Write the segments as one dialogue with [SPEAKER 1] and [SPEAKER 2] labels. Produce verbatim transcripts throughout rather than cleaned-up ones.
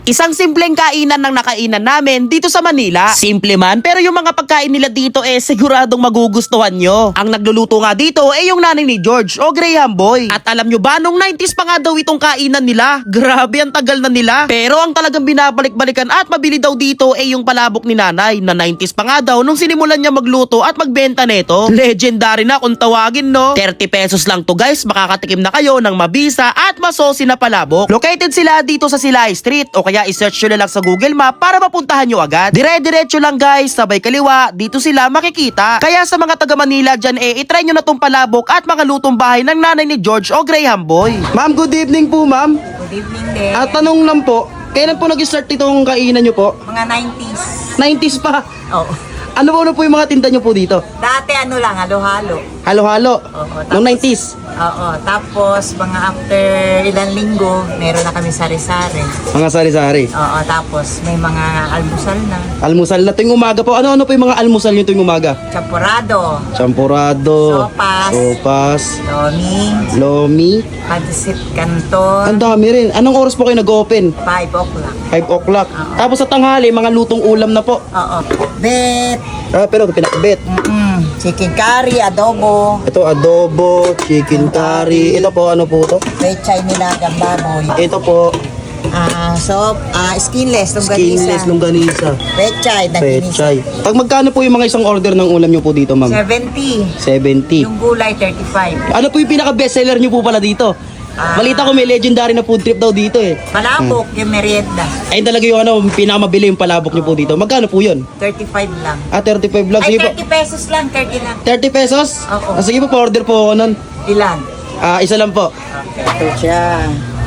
[SPEAKER 1] Isang simpleng kainan ng nakainan namin dito sa Manila. Simple man, pero yung mga pagkain nila dito eh siguradong magugustuhan nyo. Ang nagluluto nga dito eh yung nanay ni George o Graham Boy. At alam nyo ba, nung nineties pa nga daw itong kainan nila. Grabe, ang tagal na nila. Pero ang talagang binabalik-balikan at mabili daw dito eh yung palabok ni nanay na nineties pa nga daw nung sinimulan niya magluto at magbenta neto. Legendary na kung tawagin, no? thirty pesos lang to guys, makakatikim na kayo ng mabisa at masosi na palabok. Located sila dito sa Silay Street o kaya i-search nyo na lang sa Google Map para mapuntahan nyo agad. Dire-diretso lang guys, sabay kaliwa, dito sila makikita. Kaya sa mga taga Manila dyan eh, itry nyo na tong palabok at mga lutong bahay ng nanay ni George o Graham Boy. Ma'am, good evening po ma'am.
[SPEAKER 2] Good evening din.
[SPEAKER 1] At tanong lang po, kailan po nag-start itong kainan nyo po?
[SPEAKER 2] Mga nineties.
[SPEAKER 1] nineties pa.
[SPEAKER 2] Oo.
[SPEAKER 1] Ano po, ano po yung mga tinda nyo po dito?
[SPEAKER 2] Dati ano lang, halo-halo.
[SPEAKER 1] Halo-halo.
[SPEAKER 2] Oo,
[SPEAKER 1] Noong
[SPEAKER 2] tapos-
[SPEAKER 1] nineties.
[SPEAKER 2] Oo. Tapos, mga after ilang linggo, meron na kami sari-sari.
[SPEAKER 1] Mga sari-sari.
[SPEAKER 2] Oo. Tapos, may mga almusal na.
[SPEAKER 1] Almusal na tuwing umaga po. Ano-ano po yung mga almusal nyo tuwing umaga?
[SPEAKER 2] Champurado.
[SPEAKER 1] Champurado.
[SPEAKER 2] Sopas.
[SPEAKER 1] Sopas.
[SPEAKER 2] Lomi.
[SPEAKER 1] Lomi.
[SPEAKER 2] Pansit
[SPEAKER 1] Ang
[SPEAKER 2] canton.
[SPEAKER 1] dami rin. Anong oras po kayo nag-open?
[SPEAKER 2] five o'clock.
[SPEAKER 1] five o'clock. Tapos sa tanghali, mga lutong ulam na po.
[SPEAKER 2] Oo. Bet.
[SPEAKER 1] Ah, pero pinakbet.
[SPEAKER 2] Mm-mm. Chicken curry, adobo.
[SPEAKER 1] Ito adobo, chicken curry. Ito po, ano po to?
[SPEAKER 2] Pechay nilagang baboy.
[SPEAKER 1] Ito po,
[SPEAKER 2] Ah, so, ah, skinless,
[SPEAKER 1] skinless
[SPEAKER 2] longganisa.
[SPEAKER 1] longganisa.
[SPEAKER 2] Pechay, naginisa.
[SPEAKER 1] Pechay. Pag magkano po yung mga isang order ng ulam nyo po dito, ma'am?
[SPEAKER 2] seventy.
[SPEAKER 1] seventy.
[SPEAKER 2] Yung gulay, thirty-five.
[SPEAKER 1] Ano po yung pinaka-bestseller nyo po pala dito?
[SPEAKER 2] Ah.
[SPEAKER 1] Balita ko may legendary na food trip daw dito eh.
[SPEAKER 2] Palabok, yung merienda.
[SPEAKER 1] Ayun talaga yung ano, pinakamabili yung palabok nyo po dito. Magkano po yun?
[SPEAKER 2] thirty-five lang.
[SPEAKER 1] Ah, thirty-five lang.
[SPEAKER 2] Ay,
[SPEAKER 1] Sige po.
[SPEAKER 2] thirty pesos lang, thirty lang.
[SPEAKER 1] thirty pesos?
[SPEAKER 2] Oo.
[SPEAKER 1] Ah, sige po, pa-order po ako nun.
[SPEAKER 2] Ilan?
[SPEAKER 1] Ah, isa lang po.
[SPEAKER 2] Okay. Ito siya.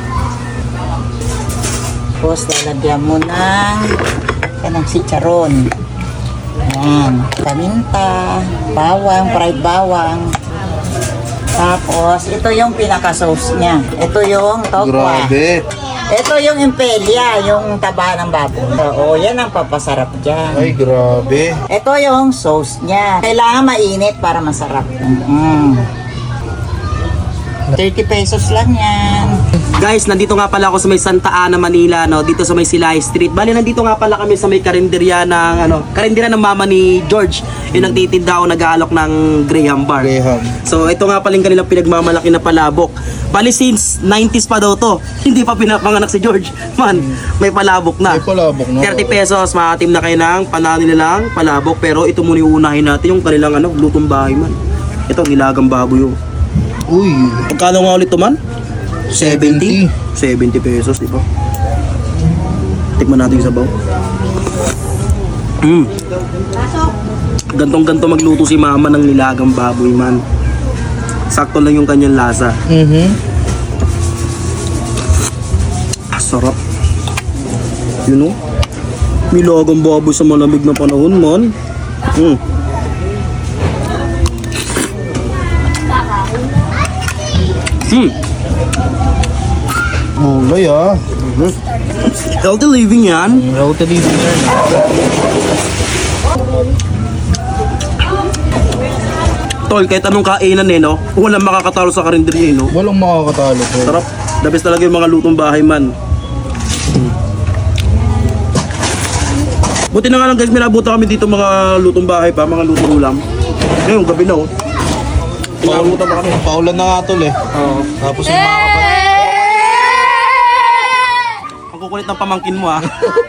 [SPEAKER 2] Tapos, lalagyan mo ng kanang chicharon. Ayan. Paminta, bawang, fried bawang. Tapos, ito yung pinaka-sauce niya. Ito yung tokwa.
[SPEAKER 3] Grabe.
[SPEAKER 2] Ito yung impelia, yung taba ng baboy. Oo, yan ang papasarap dyan.
[SPEAKER 3] Ay, grabe.
[SPEAKER 2] Ito yung sauce niya. Kailangan mainit para masarap. Mm. thirty pesos lang yan.
[SPEAKER 1] Guys, nandito nga pala ako sa may Santa Ana, Manila, no, dito sa may Silay Street. Bali, nandito nga pala kami sa may karinderya ng ano, karinderya ng mama ni George. Yung nagtitinda o nag-aalok ng Graham Bar.
[SPEAKER 3] Graham.
[SPEAKER 1] So, ito nga pala yung kanilang pinagmamalaki na palabok. Bali, since nineties pa daw to. Hindi pa pinapanganak si George. Man, may palabok na.
[SPEAKER 3] May palabok na.
[SPEAKER 1] thirty pesos, makatim na kayo ng panalo nilang palabok. Pero ito muna yung unahin natin, yung kanilang ano, lutong bahay man. Ito, gilagang baboy yung.
[SPEAKER 3] Uy.
[SPEAKER 1] Pagkano nga ulit to man? seventy? seventy pesos, di ba? Tikman natin yung sabaw. Mm. Gantong-ganto magluto si mama ng nilagang baboy man. Sakto lang yung kanyang lasa.
[SPEAKER 3] Mm-hmm.
[SPEAKER 1] Ah, sarap. Yun o. Nilagang baboy sa malamig na panahon man. Mm. Hmm.
[SPEAKER 3] Mulay ah.
[SPEAKER 1] Healthy living yan.
[SPEAKER 3] Healthy living yan.
[SPEAKER 1] Tol, kahit anong kainan eh, no? Walang makakatalo sa karinderya eh, no?
[SPEAKER 3] Walang makakatalo ko.
[SPEAKER 1] Sarap. The best talaga yung mga lutong bahay man. Buti na nga lang guys, may nabuta kami dito mga lutong bahay pa, mga lutong ulam. Ngayon, gabi na oh. Pinabuta pa kami.
[SPEAKER 3] Paulan na nga tol eh.
[SPEAKER 1] Oo.
[SPEAKER 3] Tapos yung mga kapatid.
[SPEAKER 1] Ang kukulit ng pamangkin mo ah.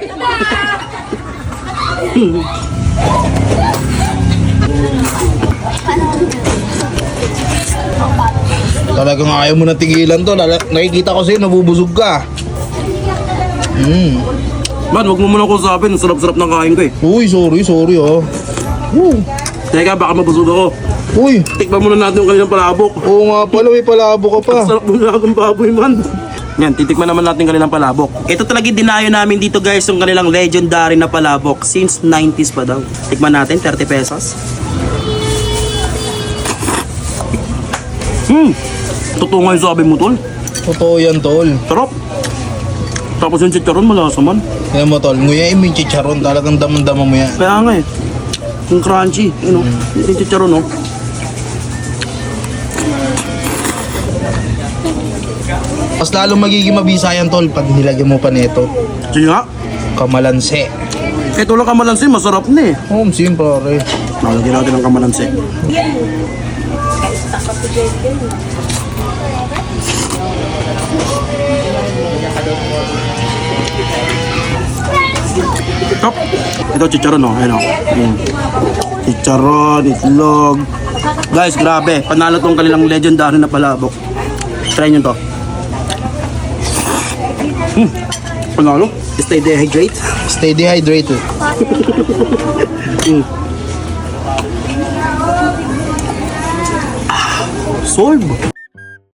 [SPEAKER 3] Talagang ayaw mo na tigilan to. Lala- Nakikita ko sa'yo, nabubusog ka. Mm.
[SPEAKER 1] Man, wag mo muna kong sabihin, ang sarap-sarap ng kain ko eh.
[SPEAKER 3] Uy, sorry, sorry oh. Woo.
[SPEAKER 1] Teka, baka mabusog ako.
[SPEAKER 3] Uy.
[SPEAKER 1] Tikman muna natin yung kanilang palabok.
[SPEAKER 3] Oo nga pala, may palabo ka pa.
[SPEAKER 1] Ang sarap ng nilagang baboy man. Yan, titikman naman natin kanilang palabok. Ito talaga yung dinayo namin dito guys, yung kanilang legendary na palabok. Since nineties pa daw. Tikman natin, thirty pesos. Hmm! Totoo nga yung sabi mo, tol.
[SPEAKER 3] Totoo yan tol.
[SPEAKER 1] Sarap. Tapos yung chicharon, malasa man.
[SPEAKER 3] Kaya mo tol, nguyain mo yung chicharon. Talagang damang-dama mo yan.
[SPEAKER 1] Kaya nga eh. Yung crunchy, you know, yung chicharon, no?
[SPEAKER 3] Mas lalo magiging mabisa yan tol pag nilagyan mo pa nito.
[SPEAKER 4] Sige nga.
[SPEAKER 3] Kamalanse.
[SPEAKER 4] Ito lang kamalansi, masarap na eh.
[SPEAKER 3] Oh, sim pare.
[SPEAKER 4] Nalagyan natin ng kamalansi. Top. Ito chicharon no, ayun oh. Mm. Chicharon, itlog. Guys, grabe. Panalo tong kanilang legendary na palabok. Try nyo to. Hmm. Panalo. Stay dehydrate.
[SPEAKER 3] Stay dehydrated.
[SPEAKER 4] Mm. Solve.